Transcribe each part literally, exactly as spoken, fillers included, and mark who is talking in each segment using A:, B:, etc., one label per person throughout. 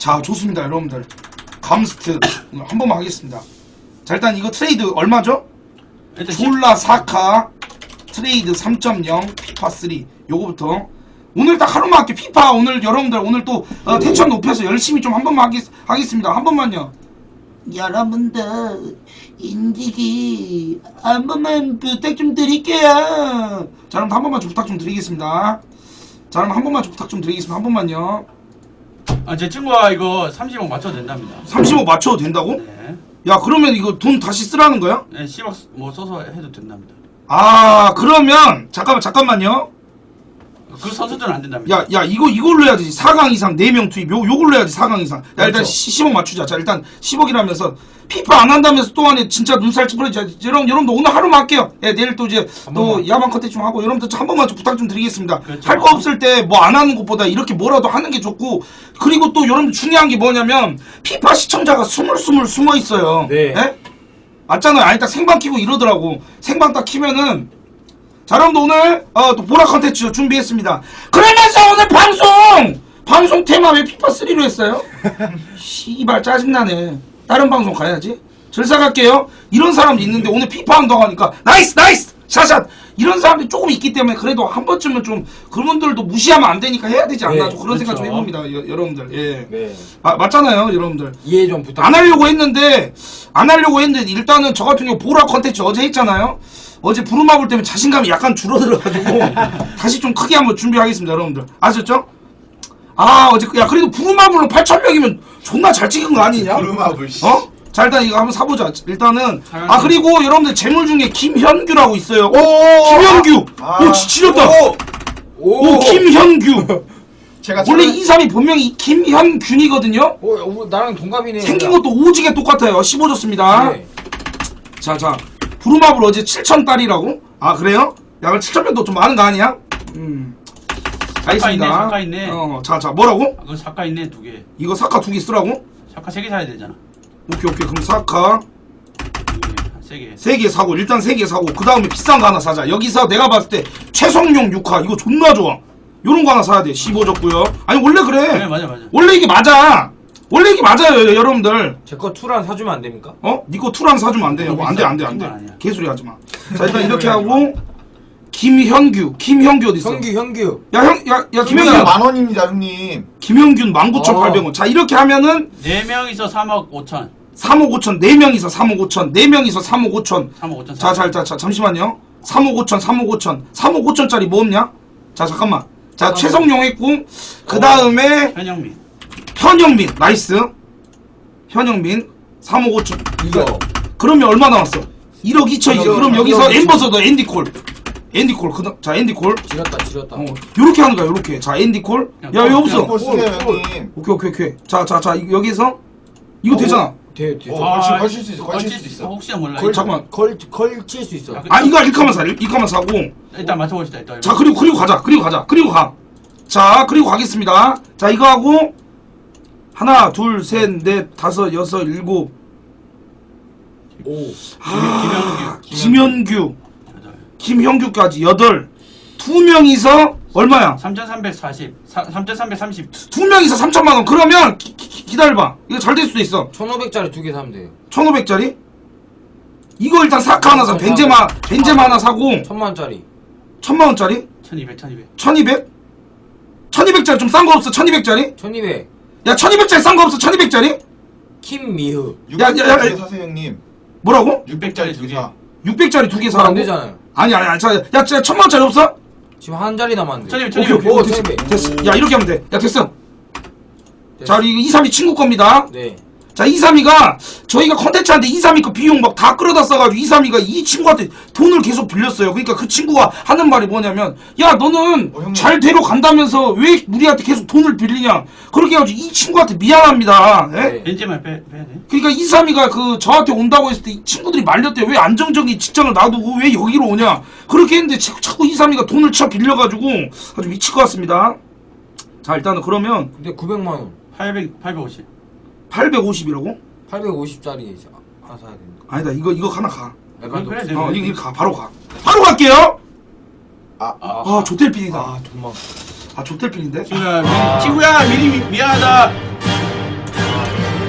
A: 자, 좋습니다, 여러분들. 감스트 한 번만 하겠습니다. 자, 일단 이거 트레이드 얼마죠? 졸라 사 카 트레이드 삼 점 영 피파 삼 요거부터 오늘 딱 하루만 할게. 피파 오늘 여러분들 오늘 또 어, 텐션 높여서 열심히 좀 한 번만 하겠, 하겠습니다. 한 번만요. 여러분들 인디기 한 번만 부탁 좀 드릴게요. 자, 그럼 한 번만 좀 부탁 좀 드리겠습니다. 자, 그럼 한 번만 좀 부탁 좀 드리겠습니다. 한 번만요.
B: 아, 제 친구가 이거 삼십억 맞춰도 된답니다.
A: 삼십억 맞춰도 된다고?
B: 네.
A: 야, 그러면 이거 돈 다시 쓰라는 거야?
B: 네, 십억 뭐 써서 해도 된답니다.
A: 아, 그러면 잠깐만 잠깐만요.
B: 그 선수들은 안 된답니다.
A: 야, 야, 이거 이걸로 해야지. 사 강 이상 네 명 투입. 요 요걸로 해야지. 사 강 이상. 야, 일단
C: 그렇죠.
A: 십억 맞추자. 자, 일단 십억이라면서 피파 안 한다면서 또 안에 진짜 눈살 찌푸려지. 여러분, 여러분도 오늘 하루만 할게요. 예, 내일 또 이제 또
C: 번만.
A: 야방 컨텐츠 좀 하고 여러분들 한 번만 좀 부탁 좀 드리겠습니다.
B: 그렇죠.
A: 할 거 없을 때 뭐 안 하는 것보다 이렇게 뭐라도 하는 게 좋고, 그리고 또 여러분 중요한 게 뭐냐면 피파 시청자가 스물스물 숨어 있어요.
C: 네.
A: 예? 맞잖아요. 아니 딱 생방 키고 이러더라고. 생방 딱 키면은 자, 여러분들 오늘 어, 또 보라 컨텐츠 준비했습니다. 그러면서 오늘 방송! 방송 테마 왜 피파 삼로 했어요? 씨발 짜증나네. 다른 방송 가야지. 절사 갈게요. 이런 사람도 있는데 오늘 피파 한다고 하니까 나이스 나이스 샷샷 이런 사람들이 조금 있기 때문에 그래도 한 번쯤은 좀 그분들도 무시하면 안 되니까 해야 되지 않나.
C: 네,
A: 좀 그런 생각 좀
B: 그렇죠.
A: 해봅니다. 여, 여러분들. 예.
C: 네.
A: 아, 맞잖아요 여러분들.
C: 이해 좀 부탁.
A: 안 하려고 했는데 안 하려고 했는데 일단은 저 같은 경우 보라 컨텐츠 어제 했잖아요. 어제 부루마블 때문에 자신감이 약간 줄어들어가지고 다시 좀 크게 한번 준비하겠습니다 여러분들. 아셨죠? 아 어제 야 그래도 부루마블로 팔천 명이면 존나 잘 찍은 거 아니냐?
D: 부루마블 씨.
A: 어? 자 일단 이거 한번 사보자. 일단은 아 그리고 여러분들 재물 중에 김현규라고 있어요. 오, 김현규.
D: 아.
A: 오 지- 지렸다. 오,
C: 오.
A: 김현규.
D: 제가
A: 원래
D: 저는-
A: 이 삼이 본명이 김현균이거든요.
C: 오, 오, 나랑 동갑이네.
A: 생긴 것도 오지게 똑같아요. 십오 줬습니다.
C: 네.
A: 자, 자. 부루마블 어제 칠천 달이라고? 아, 그래요? 야, 그럼 칠천 명도 좀 많은 거 아니야? 음.
B: 사카 있네, 사카 있네.
A: 어, 자, 자, 뭐라고?
B: 아, 그 사카 있네, 두 개.
A: 이거 사카 두 개 쓰라고?
B: 사카 세 개 사야 되잖아.
A: 오케이, 오케이. 그럼 사카
B: 세 개.
A: 세 개 사고, 일단 세 개 사고, 그 다음에 비싼 거 하나 사자. 여기서 내가 봤을 때 최성용 육 화. 이거 존나 좋아. 요런 거 하나 사야 돼. 십오 줬고요. 아니, 원래 그래.
B: 네, 맞아, 맞아.
A: 원래 이게 맞아. 원래 이게 맞아요, 여러분들.
C: 제거 투란 사주면 안 됩니까?
A: 어? 니거 투랑 사주면 안 돼요. 안 돼, 안 돼, 안 돼. 개소리 하지 마. 자, 일단 이렇게 하고, 김현규. 김현규 어딨어?
C: 현규, 현규.
A: 야, 형, 야, 야, 김현규.
D: 형님 만 원입니다 형님.
A: 김현균 만 구천팔백 원. 자, 이렇게 하면은
B: 네 명이서 삼억 오천.
A: 삼억 오천, 네 명이서 삼억 오천, 네 명이서 삼억 오천.
B: 삼억 오천.
A: 자, 자, 자, 자, 잠시만요. 삼억 오천, 삼억 오천. 삼억 오천짜리 뭐 없냐? 자, 잠깐만. 자, 최성용 했고, 그 다음에
B: 현영민.
A: 현영민. 나이스. 현영민. 삼억 오천.
C: 이거.
A: 그러면 얼마 나왔어? 일억 이천이죠.
C: 일억,
A: 그럼 여기서
C: 일억 이천.
A: 엠버서더 앤디콜. 앤디콜. 그 다음, 자, 앤디콜.
C: 지렸다, 지렸다.
A: 어, 요렇게 하는 거야, 요렇게. 자, 앤디콜. 야,
B: 야,
A: 여기 없어.
D: 골 쓰세요 형님.
A: 오케이, 오케이, 오케이. 자, 자, 자, 여기서. 이거 되잖아.
C: 돼, 돼.
D: 어, 걸칠- 걸칠 수 있어, 걸칠 수도 있어.
B: 혹시나 몰라.
A: 걸- 잠깐만.
C: 걸, 걸칠 수 있어.
B: 야, 그-
A: 아, 이거 일카만 사, 일카만 사고.
B: 일단 맞춰봅시다. 일단.
A: 자, 그리고, 그리고 가자. 그리고 가자. 그리고 가. 자, 그리고 가겠습니다. 자, 이거 하고. 하나, 둘, 셋, 넷, 다섯, 여섯, 일곱.
C: 오.
A: 아,
B: 김현규.
A: 김현규.
B: 여덟.
A: 김현규까지 여덟. 두 명이서 얼마야?
B: 삼천삼백사십. 삼천삼백삼십.
A: 두 명이서 삼천만 원. 그러면 기, 기, 기다려봐. 이거 잘 될 수도 있어.
C: 천오백짜리 두 개 사면 돼요.
A: 천오백짜리? 이거 일단 사카 하나 사. 벤제마, 벤제마 하나 사고.
C: 천만 원짜리.
A: 천만 원짜리?
B: 천이백, 천이백.
A: 천이백? 천이백짜리 좀 싼 거 없어? 천이백짜리?
C: 천이백.
A: 야, 천이백짜리 싼 거 없어? 천이백짜리?
C: 김미흐.
A: 야, 야, 야,
D: 육백짜리 두개 사세요 형님.
A: 뭐라고?
D: 육백짜리 두 개 사.
A: 육백짜리 두 개
C: 안
A: 사라고?
C: 되잖아요.
A: 아니, 아니, 아니. 자, 야, 자, 천만 원짜리 없어?
C: 지금 한 자리 남았는데.
B: 천이백,
A: 오케이,
B: 천이백.
A: 오케이.
C: 오,
A: 오, 됐어.
C: 천이백.
A: 됐어. 야, 이렇게 하면 돼. 야, 됐어.
C: 됐어.
A: 자, 우리 이삼이 친구 겁니다.
C: 네.
A: 자, 이삼이가 저희가 컨텐츠한테 이삼이 그 비용 막 다 끌어다 써가지고 이삼이가 이 친구한테 돈을 계속 빌렸어요. 그러니까 그 친구가 하는 말이 뭐냐면, 야, 너는
D: 어, 형님.
A: 잘 데려간다면서 왜 우리한테 계속 돈을 빌리냐. 그렇게 해가지고 이 친구한테 미안합니다. 예?
C: 네.
B: 벤제만 빼, 빼야 돼.
A: 그러니까 이삼이가 그 저한테 온다고 했을 때 이 친구들이 말렸대요. 왜 안정적인 직장을 놔두고 왜 여기로 오냐. 그렇게 했는데 자꾸, 자꾸 이삼이가 돈을 쳐 빌려가지고 아주 미칠 것 같습니다. 자, 일단은 그러면
C: 근데 구백만 원.
B: 팔백, 팔백오십.
A: 팔백오십이라고?
C: 팔백오십짜리 하나 사야 됩니다.
A: 아니다, 이거 이거 하나 가.
C: 약간
B: 그래,
C: 좀-
B: 그래.
A: 어, 이거 이거 가. 바로 가. 바로 갈게요.
D: 아,
C: 아,
A: 아, 조텔핀이다.
C: 아, 정말.
A: 아, 조텔핀인데?
B: 친구야, 미, 친구야, 미리 미, 미안하다.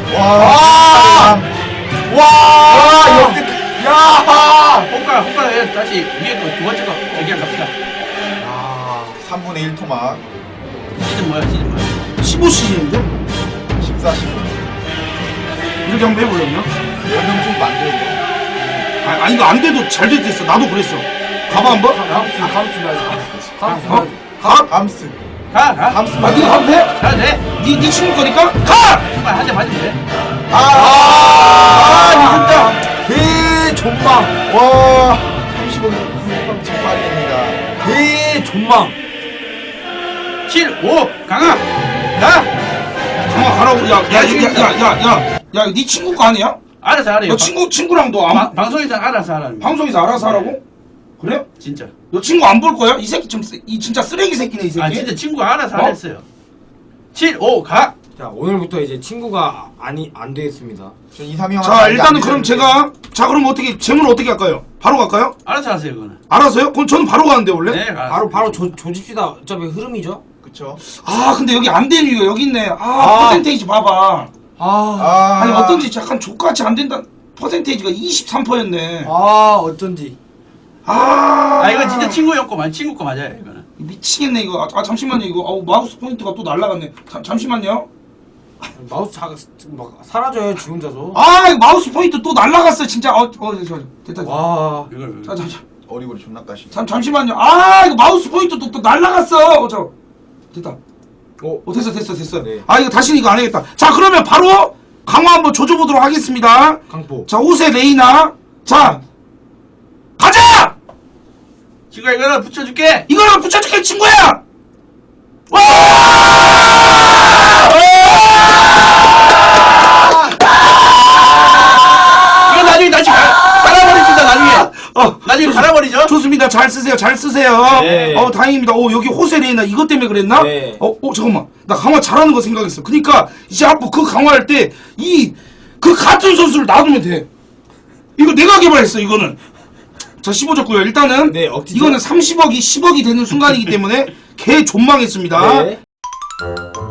D: 와. 와. 역대. 야.
B: 호가 호가 다시 위에 거 두 번째 거 얘기한 갑시다.
D: 아, 삼분의 일 토막.
B: 시즌 뭐야 시즌 뭐야?
A: 십오 시즌인데?
D: 십사, 십오.
A: 이렇게 한번 해보려면?
D: 연령 좀 만들고.
A: 아, 아니 이거 안 돼도 잘 될 때 있어. 나도 그랬어. 가봐 한번.
C: 감스 감스 나지 감스
A: 어?
C: 나지
A: 가?
D: 감스.
B: 가 가.
D: 감스.
A: 아, 니가 가도 돼?
B: 가도 돼.
A: 니, 니 친구 거니까? 가!
B: 정말 한대 맞으면 돼.
D: 아,
A: 아,
D: 진짜. 대존망. 와. 삼십오 점 정말입니다.
C: 대존망.
B: 칠, 오, 강아. 가.
A: 강아 가라고. 야, 야, 야, 야, 야, 야, 야, 니 친구 거 아니야?
B: 알아서 하래요.
A: 너 친구, 친구랑 너 안,
B: 방- 방송에서 알아서 하라는.
A: 방송에서 알아서 하라고? 그래?
B: 진짜.
A: 너 친구 안 볼 거야? 이 새끼 좀, 쓰- 이 진짜 쓰레기 새끼네, 이 새끼.
B: 아 진짜 친구가 알아서
A: 어?
B: 하랬어요. 칠, 오, 가.
C: 자 오늘부터 이제 친구가 아니 안 되겠습니다.
D: 전 이삼이 형.
A: 자, 일단은 그럼 제가, 자, 그럼 어떻게, 재물 어떻게 할까요? 바로 갈까요?
B: 알아서 하세요 그거는.
A: 알아서요? 그럼 저는 바로 가는데, 원래?
B: 네, 가.
C: 바로 바로 조, 조집시다. 어차피 흐름이죠.
D: 그쵸.
A: 아, 근데 여기 안 되는 이유가 여기 있네. 아,
C: 아.
A: 퍼센테이지 봐봐.
C: 아,
D: 아.
A: 아니, 어떤지 약간 족같이 안 된다. 퍼센테이지가 이십삼 퍼센트였네.
C: 아 어쩐지.
A: 아,
B: 아 이거 진짜 친구 형 거 맞, 친구 거 맞아요 이거는.
A: 미치겠네, 이거. 아, 아, 잠시만요, 이거. 아우, 마우스 포인트가 또 날라갔네. 잠, 잠시만요.
C: 마우스 자, 막 사라져요 지 혼자서.
A: 아, 이거 마우스 포인트 또 날라갔어, 진짜. 어, 어, 저, 됐다.
C: 와.
B: 이걸.
A: 자, 자, 자.
D: 어리버리 존나 까시.
A: 잠, 잠시만요. 아, 이거 마우스 포인트 또, 또 날라갔어. 어, 저. 됐다.
C: 어.
A: 어, 됐어, 됐어, 됐어.
C: 네.
A: 아, 이거 다시는 이거 안 해야겠다. 자, 그러면 바로 강화 한번 조져보도록 하겠습니다.
C: 강포.
A: 자, 옷에 레이나. 자, 가자!
B: 친구야 이거는 붙여줄게.
A: 이거랑 붙여줄게, 친구야! 와!
B: 이거 나중에 다시 가- 갈아버립시다 나중에.
A: 어,
B: 나중에
A: 좋습-
B: 갈아버리죠.
A: 좋습니다. 잘 쓰세요. 잘 쓰세요.
C: 네.
A: 어, 다행입니다. 어, 여기 호세 레이나 이것 때문에 그랬나?
C: 네.
A: 어, 어, 잠깐만. 나 강화 잘하는 거 생각했어. 그니까, 이제 앞으로 그 강화할 때, 이, 그 같은 선수를 놔두면 돼. 이거 내가 개발했어, 이거는. 자, 십오 졌고요. 일단은,
C: 네, 억지죠.
A: 이거는 삼십억이 십억이 되는 순간이기 때문에, 개 존망했습니다.
C: 네.